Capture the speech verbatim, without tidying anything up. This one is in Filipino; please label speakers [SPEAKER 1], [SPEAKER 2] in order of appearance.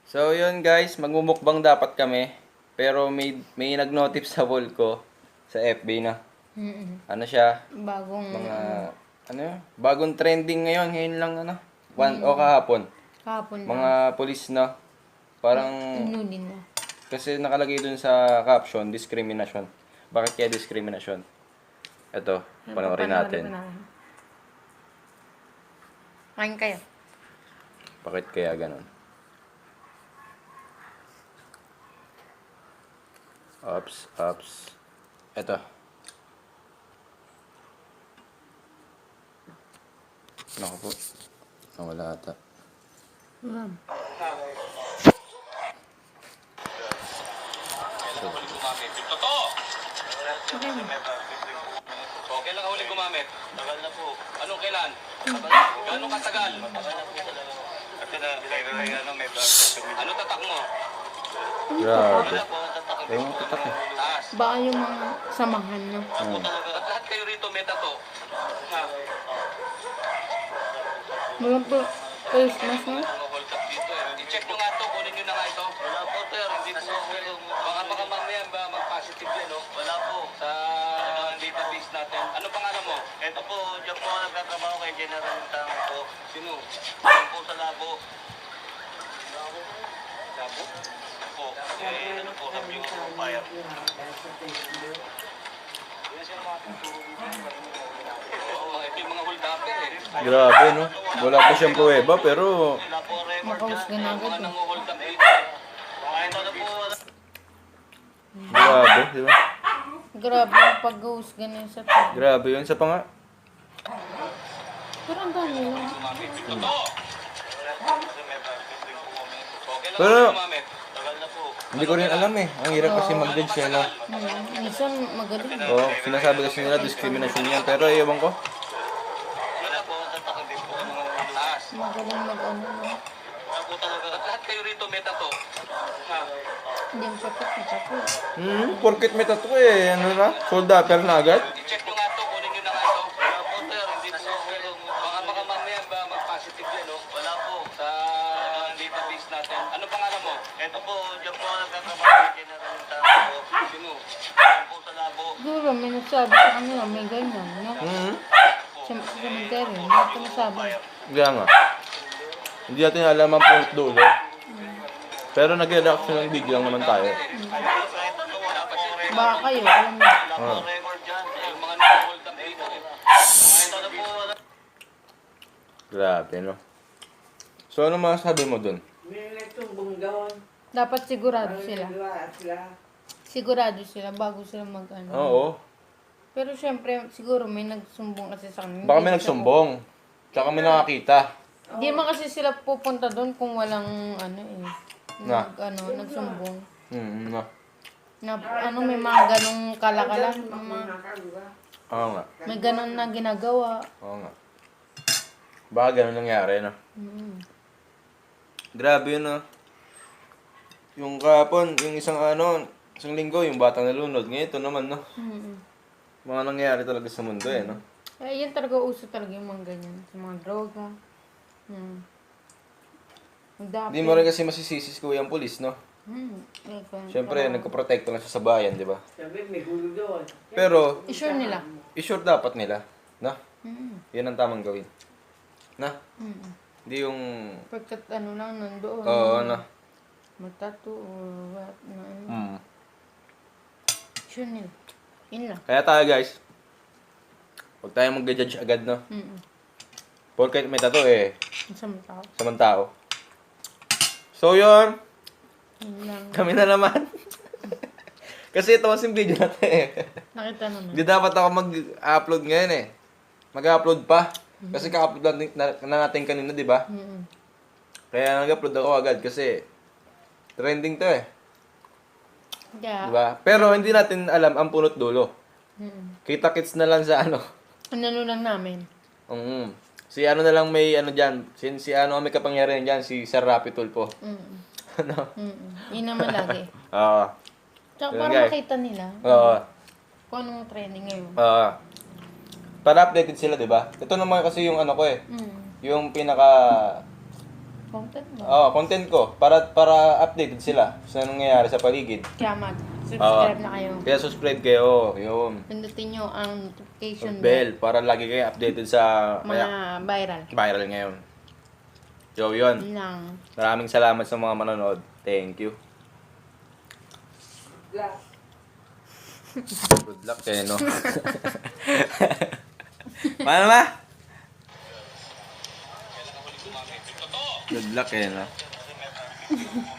[SPEAKER 1] So yun guys, magmumukbang dapat kami. Pero may may nag-notif sa wall ko sa F B na.
[SPEAKER 2] Mm-mm.
[SPEAKER 1] Ano siya?
[SPEAKER 2] Bagong
[SPEAKER 1] Mga
[SPEAKER 2] ano,
[SPEAKER 1] ano yun? Bagong trending ngayon, ngayon lang ano. One o kahapon.
[SPEAKER 2] kahapon lang.
[SPEAKER 1] Mga pulis na parang
[SPEAKER 2] Inulin na.
[SPEAKER 1] kasi nakalagay dun sa caption, discrimination. Bakit kaya discrimination? Ito, panoorin natin.
[SPEAKER 2] Kain kayo.
[SPEAKER 1] Bakit kaya ganun? Ups, ups. Ito. Naku po. Nawala ata.
[SPEAKER 2] Ma'am.
[SPEAKER 3] Totoo!
[SPEAKER 2] Okay.
[SPEAKER 3] O, kailan ka huling gumamit? Tagal na po. Ano, kailan? Gano'ng katagal? Tagal na po talaga. Kasi na, may ano, may blood pressure. Ano tatak mo?
[SPEAKER 1] Grabe.
[SPEAKER 3] Wala po, tatak.
[SPEAKER 1] Ayun ang tatak eh.
[SPEAKER 3] Taas.
[SPEAKER 2] Baka yung mga samahan na.
[SPEAKER 3] Ako talaga. At lahat kayo rito may tato. Ha?
[SPEAKER 2] Wala po face mask na.
[SPEAKER 3] Mga hold up dito eh. I-check nyo nga to, kunin nyo na nga ito. Wala po, sir. Hindi po. Baka baka mamaya ba mag-positive yan, no? Wala po. Sa database natin. Ano pangalan mo? Ito po, dyan po ako nagtatrabaho kay General Tang po. Sino? Dyan po sa labo. Labo? Labo? Po. Eh, ano po, sabi yung fire. Yan siya mga tuturo dito. Oo, ito yung mga hold upper eh.
[SPEAKER 1] Grabe no. Wala pa siyang pruweba pero
[SPEAKER 3] Wala po record
[SPEAKER 2] Makaus
[SPEAKER 3] dyan.
[SPEAKER 2] ka na
[SPEAKER 3] Mga
[SPEAKER 2] agad eh.
[SPEAKER 3] nanguhold up dito. Kahit ano po,
[SPEAKER 1] grabe, di ba?
[SPEAKER 2] Grabe yung pag-husga na yun sa tabi.
[SPEAKER 1] Grabe yun sa panga.
[SPEAKER 2] Pero ang dami lang.
[SPEAKER 3] gumamit. Totoo! Okay lang
[SPEAKER 1] Pero
[SPEAKER 3] ako gumamit. Tagal na po.
[SPEAKER 1] hindi ko rin alam eh. Ang hirap kasi mag-judge eh, no?
[SPEAKER 2] Hmm. Minsan magaling.
[SPEAKER 1] Oo, sinasabi kasi nila discrimination yan. Pero ewan ko.
[SPEAKER 3] Wala po, tatak hindi po. Taas.
[SPEAKER 2] Magaling mag-ano na.
[SPEAKER 3] Wala po talaga. At lahat kayo rito may tato. Ha?
[SPEAKER 2] Hindi ang kapit na tapo.
[SPEAKER 1] Hmm, porket may tattoo eh. Ano na? Soldaper na agad?
[SPEAKER 3] I-check nyo nga to, kunin nyo na nga ito. Wala po, sir. Hindi po. Baka baka mamaya ba mag-positive yan, no? Wala po. Sa database natin. Ano pangalan mo? Ito po, dyan po ako nagtatrabaho kay General Tang po. Sino? Dyan po sa labo.
[SPEAKER 2] Siguro may nagsabi sa kanila may ganyan. No?
[SPEAKER 1] Hmm,
[SPEAKER 2] Siyempre sa cemetery. May ito nasabi.
[SPEAKER 1] kaya nga. Hindi natin alam ang punot dulo. Pero nag-reaction ng video lang naman tayo.
[SPEAKER 2] Baka kayo, alam mo.
[SPEAKER 1] Ah.
[SPEAKER 3] Record dyan. Yung mga nag-hold up dito eh. Kahit ano po, wala.
[SPEAKER 1] Grabe, no? So, ano masasabi mo dun?
[SPEAKER 4] May nagtumbong doon.
[SPEAKER 2] Dapat sigurado
[SPEAKER 4] Parang
[SPEAKER 2] sila.
[SPEAKER 4] nagawa sila.
[SPEAKER 2] Sigurado sila bago sila mag-ano.
[SPEAKER 1] Oo.
[SPEAKER 2] Pero syempre, siguro may nagsumbong kasi sa kanila.
[SPEAKER 1] Baka may
[SPEAKER 2] Hindi
[SPEAKER 1] nagsumbong. Tsaka may nakakita.
[SPEAKER 2] Hindi naman kasi sila pupunta doon kung walang ano eh.
[SPEAKER 1] Na.
[SPEAKER 2] Nag, ano, nagsumbong.
[SPEAKER 1] Hmm, no.
[SPEAKER 2] Na, ano, may mga ganong kalakalan. Mga,
[SPEAKER 4] Nakagawa.
[SPEAKER 1] Oo nga.
[SPEAKER 2] may ganon na ginagawa.
[SPEAKER 1] Oo nga. Baka ganun nangyari, no?
[SPEAKER 2] Mm.
[SPEAKER 1] Grabe yun, no? Yung kahapon, yung isang ano, isang linggo, yung batang nalunod. Ngayon, ito naman, no?
[SPEAKER 2] Mm.
[SPEAKER 1] Mga nangyari talaga sa mundo, eh, no?
[SPEAKER 2] Eh, yan talaga uso talaga yung mga ganyan. Sa mga droga. Hmm. Dapat.
[SPEAKER 1] Hindi mo rin kasi masisisi si Kuya ang pulis, no?
[SPEAKER 2] Hmm. Eh, kung-
[SPEAKER 1] Siyempre, nagkaprotekto lang siya sa bayan, di ba?
[SPEAKER 4] Sabi, may gulo doon.
[SPEAKER 1] Pero,
[SPEAKER 2] I-sure nila.
[SPEAKER 1] i-sure dapat nila, no?
[SPEAKER 2] Hmm.
[SPEAKER 1] Yan ang tamang gawin. Na?
[SPEAKER 2] Hmm.
[SPEAKER 1] Hindi yung,
[SPEAKER 2] Pagkat ano lang nandoon.
[SPEAKER 1] oo, ano?
[SPEAKER 2] Magtato or what. Na, ano.
[SPEAKER 1] Hmm.
[SPEAKER 2] Sure nila. Yun lang.
[SPEAKER 1] Kaya tayo, guys, huwag tayo mag-judge agad, no?
[SPEAKER 2] Mm.
[SPEAKER 1] Porket may tato, eh,
[SPEAKER 2] Sa mga tao.
[SPEAKER 1] sa mga tao. So, yun.
[SPEAKER 2] Yun lang.
[SPEAKER 1] Kami na naman. Kasi ito kasing video natin, eh.
[SPEAKER 2] Nakita naman.
[SPEAKER 1] Hindi dapat ako mag-upload ngayon, eh. Mag-upload pa. Kasi ka-upload natin, na, na natin kanina, di ba?
[SPEAKER 2] Mm.
[SPEAKER 1] Kaya nag-upload ako agad kasi trending to, eh.
[SPEAKER 2] Yeah.
[SPEAKER 1] Di ba? Pero hindi natin alam ang punot dulo.
[SPEAKER 2] Mm.
[SPEAKER 1] Kita-kits na lang sa ano.
[SPEAKER 2] Ano lang namin.
[SPEAKER 1] Um, si ano na lang may ano dyan. Si, si ano ang may kapangyarihan dyan. Si Sir Rapi Tulfo.
[SPEAKER 2] Mm.
[SPEAKER 1] ano?
[SPEAKER 2] Mm. Yun naman lagi.
[SPEAKER 1] Oo.
[SPEAKER 2] Tsaka
[SPEAKER 1] Yun,
[SPEAKER 2] para
[SPEAKER 1] guys.
[SPEAKER 2] makita nila
[SPEAKER 1] Oo.
[SPEAKER 2] kung anong trending ngayon.
[SPEAKER 1] Oo. Para updated sila, di ba? Ito naman kasi yung ano ko eh.
[SPEAKER 2] Mm.
[SPEAKER 1] Yung pinaka
[SPEAKER 2] Content mo.
[SPEAKER 1] Oo, content ko. Para para updated sila sa nangyayari sa paligid.
[SPEAKER 2] Kaya mag-subscribe na kayo.
[SPEAKER 1] Kaya subscribe kayo. Yun.
[SPEAKER 2] Pindutin nyo ang notification
[SPEAKER 1] Bell. Para lagi kayo updated sa
[SPEAKER 2] Mga
[SPEAKER 1] kaya,
[SPEAKER 2] viral.
[SPEAKER 1] viral ngayon. So, yun.
[SPEAKER 2] Yun lang.
[SPEAKER 1] Maraming salamat sa mga manonood. Thank you.
[SPEAKER 4] Glass.
[SPEAKER 1] Good luck kayo, no? Paano ba? Good luck kayo, no?